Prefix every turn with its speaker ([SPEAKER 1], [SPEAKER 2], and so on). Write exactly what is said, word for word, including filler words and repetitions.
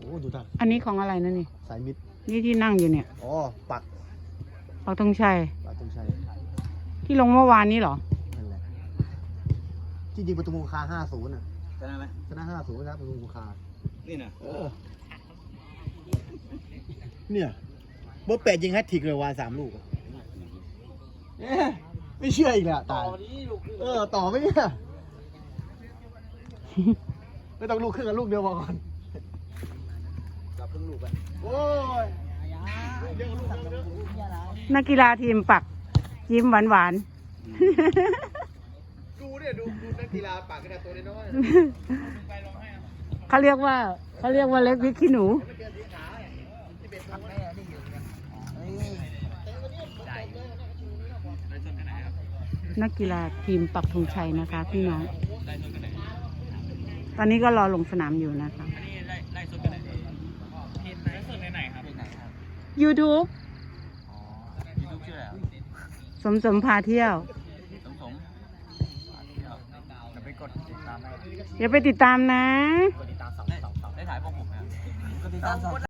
[SPEAKER 1] โอ้ดูท่า
[SPEAKER 2] อันนี้ของอะไรนะนี่
[SPEAKER 1] สายมิด
[SPEAKER 2] นี่ที่นั่งอยู่เนี่ย
[SPEAKER 1] อ๋อปัก
[SPEAKER 2] ปักธงชัย
[SPEAKER 1] ปักธงชัย
[SPEAKER 2] ที่ลงเมื่อวานนี้เหรอ
[SPEAKER 1] นั่นแหละจริงๆประตูคาห้าศูนย์อ่ะ
[SPEAKER 3] ชนะไหม
[SPEAKER 1] ชนะห้าศูนย์นะครับประตูคา
[SPEAKER 3] นี่นะ
[SPEAKER 1] เออเนี่ยโบแปดยิงแฮตทริกเลยวานสามลูกไม่เชื่ออีกแล้วตายเออต่อไหมเนี่ยไม่ต้องลูกครึ่งกันลูกเดียวพอก่อนกับครึ่งลูกไปโอ้ย
[SPEAKER 2] นักกีฬาทีมปักยิ้มหวานหวาน
[SPEAKER 1] ดูเนี่ยดูดูนักกีฬาปักกันตัวน้อย
[SPEAKER 2] เขาเรียกว่าเขาเรียกว่าเล็กพริกขี้หนูนักกีฬาทีมปักธงชัยนะคะพี่น้องตอนนี้ก็รอลงสนามอยู่นะคะ
[SPEAKER 3] อันนี้ไล่ไล่สดกันไหนทีมไหนสดไหนครับไหนครับ
[SPEAKER 2] YouTube
[SPEAKER 3] อ๋อยูทูบชื่ออะไรครับ
[SPEAKER 2] สมสมพาเที่ยว
[SPEAKER 3] สมสมจะไปกดติดตามได้
[SPEAKER 2] อย่าไปติดตามนะ
[SPEAKER 3] กดติดตามสองสองสองได้ถ่ายพวกผมนะกดติดตามสอง